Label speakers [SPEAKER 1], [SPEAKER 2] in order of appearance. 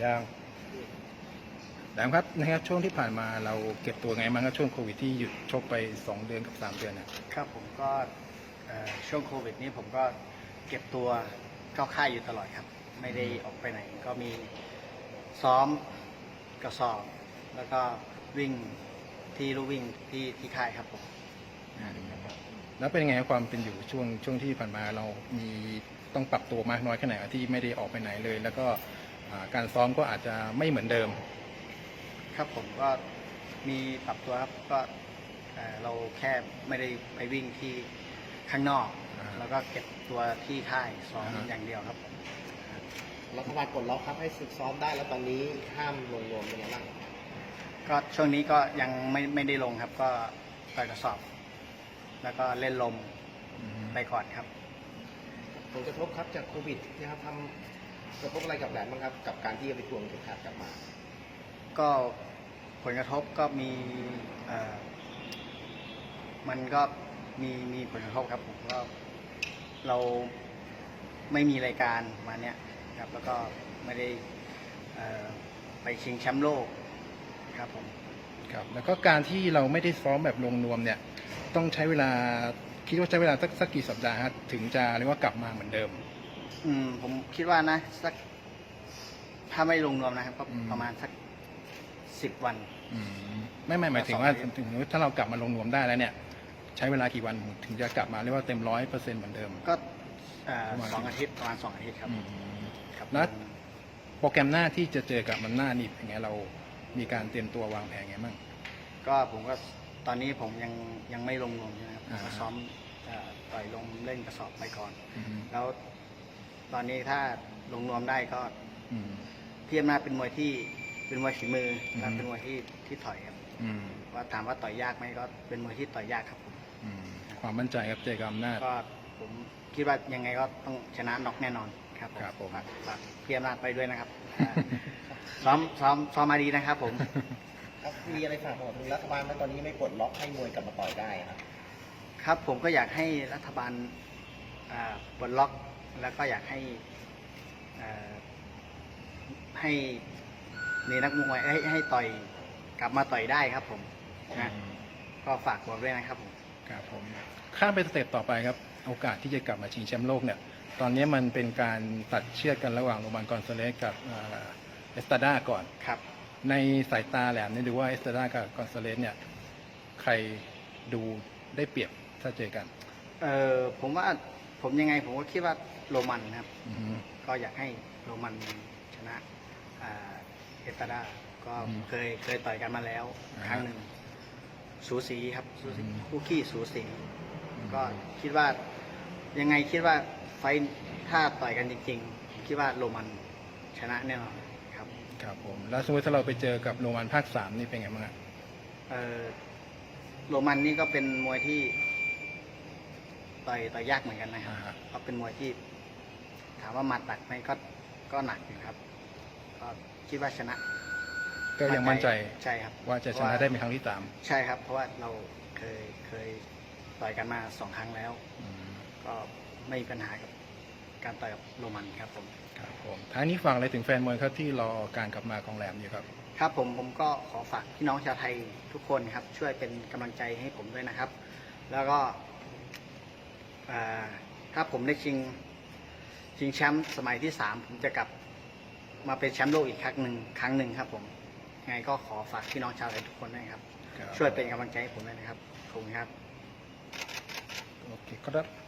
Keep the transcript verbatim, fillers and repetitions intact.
[SPEAKER 1] ย่างแหลมครับนะครับช่วงที่ผ่านมาเราเก็บตัวไงบ้างครับช่วงโควิดที่หยุดชกไปสองเดือนกับสามเดือนนะครับ
[SPEAKER 2] ผมก็ช่วงโควิดนี้ผมก็เก็บตัวเข้าค่ายอยู่ตลอดครับไม่ได้ออกไปไหนก็มีซ้อมกระสอบแล้วก็วิ่งที่ลู่วิ่งที่ที่ค่ายครับผม
[SPEAKER 1] แล้วเป็นยังไงความเป็นอยู่ช่วงช่วงที่ผ่านมาเรามีต้องปรับตัวมากน้อยแค่ไหนที่ไม่ได้ออกไปไหนเลย แล้วก็การซ้อมก็อาจจะไม่เหมือนเดิม
[SPEAKER 2] ครับผมก็มีปรับตัวครับก็เราแค่ไม่ได้ไปวิ่งที่ข้างนอกแล้วก็เก็บตัวที่ค่ายซ้อมอย่างเดียวครับ
[SPEAKER 3] รัฐบาลกดล็อกครับให้ฝึกซ้อมได้แล้วตอนนี้ห้ามลงรวมเป็นยังไงบ้าง
[SPEAKER 2] ก็ช่วงนี้ก็ยังไม่ไม่ได้ลงครับก็ต่อยกระสอบแล้วก็เล่นลมไปก่อนครับ
[SPEAKER 3] ผลกระทบครับจากโควิดนะครับทำกระทบอะไรกับแหลมบ้างครับกับการที่จะไปทวงเข็มขัดกลับมา
[SPEAKER 2] ก็ผลกระทบก็มีมันก็มีมีผลกระทบครับผมก็เราไม่มีรายการมาเนี้ยครับแล้วก็ไม่ได้ไปชิงแชมป์โลกครับผม
[SPEAKER 1] ครับแล้วก็การที่เราไม่ได้ซ้อมแบบลงนวมเนี่ยต้องใช้เวลาคิดว่าใช้เวลาสักสักกี่สัปดาห์ครับถึงจะเรียกว่ากลับมาเหมือนเดิม
[SPEAKER 2] อืมผมคิดว่านะสักถ้าไม่ลงนวมนะครับก็ประมาณสักสิบวัน
[SPEAKER 1] อืมไม่ไม่หมายถึงว่าถึงถ้าเรากลับมาลงนวมได้แล้วเนี่ยใช้เวลากี่วันถึงจะกลับมาเรียกว่าเต็มร้อยเปอร์เซ็นต์เหมือนเดิม
[SPEAKER 2] ก็สองอาทิตย์ประมาณสองอาทิตย์ครับ
[SPEAKER 1] ครับแล้วโปรแกรมหน้าที่จะเจอกับมันหน้านี่เป็นไงเรามีการเตรียมตัววางแผนไงบ้าง
[SPEAKER 2] ก็ผมก็ตอนนี้ผมยังยังไม่ลงนวมนะครับผมก็ซ้อมต่อยลมเล่นกระสอบไปก่อนแล้วตอนนี้ถ้าลงนวมได้ก็พี่อำนาจเป็นมวยที่เป็นมวยฝีมือและเป็นมวยที่ที่ถอยครับว่าถามว่าต่อยยากไหมก็เป็นมวยที่ต่อยยากครับผม
[SPEAKER 1] ความมั่นใจครับเจอกับอำนาจ
[SPEAKER 2] ก็ผมคิดว่ายังไงก็ต้องชนะน็อกแน่นอนครับผมฝากพี่อำนาจไปด้วยนะครับซ้อมซ้อมซ้อมมาดีนะครับผม
[SPEAKER 3] ครับมีอะไรฝากบอกถึงรัฐบาลไหมตอนนี้ไม่ปลดล็อกให้มวยกลับมาต่อยได้ครับ
[SPEAKER 2] ครับผมก็อยากให้รัฐบาลปลดล็อกแล้วก็อยากให้ให้มีนักมวยให้ให้ต่อยกลับมาต่อยได้ครับผมนะก็ฝากบอกด้วยนะครับผม
[SPEAKER 1] ครับผมข้ามไปสเต็ปต่อไปครับโอกาสที่จะกลับมาชิงแชมป์โลกเนี่ยตอนนี้มันเป็นการตัดเชือกกันระหว่างโรมันกอนซาเลสกับเอสตาด้าก่อน
[SPEAKER 2] ครับ
[SPEAKER 1] ในสายตาแหลมเนี่ยดูว่าเอสตาด้ากับกอนซาเลสเนี่ยใครดูได้เปรียบถ้าเจอกัน
[SPEAKER 2] เออผมว่าผมยังไงผมก็คิดว่าโรมันครับก็อยากให้โรมันชนะเอสตาด้าก็เคยเคยต่อยกันมาแล้วครั้งหนึ่งสูสีครับสูสีคู่ขี้สูสีก็คิดว่ายังไงคิดว่าไฟถ้าต่อยกันจริงๆคิดว่าโรมันชนะแน่นอนครับ
[SPEAKER 1] ครับผมแล้วสมมติถ้าเราไปเจอกับโรมันภาคสามนี่เป็นไงบ้างครับ
[SPEAKER 2] เออโรมันนี่ก็เป็นมวยที่ต่อยต่อยยากเหมือนกันนะครับเขาเป็นมวยที่ถามว่าหมัดหนักไหมก็ก็หนักอยู่ครับก็คิดว่าชนะ
[SPEAKER 1] ก็ยังมั่นใจ
[SPEAKER 2] ใช่ครับ
[SPEAKER 1] ว่าจะชนะได้เป็นครั้งที่สาม
[SPEAKER 2] ใช่ครับเพราะว่าเราเคยเคยต่อยกันมาสองครั้งแล้วก็ไม่มีปัญหากับการต่อยกับโรมันครับผม
[SPEAKER 1] ครับผมท้ายนี้ฝากอะไรถึงแฟนมวยครับที่รอการกลับมาของแหลมอยู่ครับ
[SPEAKER 2] ครับผมผมก็ขอฝากพี่น้องชาวไทยทุกคนครับช่วยเป็นกำลังใจให้ผมด้วยนะครับแล้วก็ถ้าผมได้ชิงชิงแชมป์สมัยที่สามผมจะกลับมาเป็นแชมป์โลกอีกครั้งหนึ่งครั้งหนึ่งครับผมยังไงก็ขอฝากพี่น้องชาวไทยทุกคนด้วยครับช่วยเป็นกำลังใจให้ผมด้วยนะครับขอบคุณครับ
[SPEAKER 1] โอเคครับ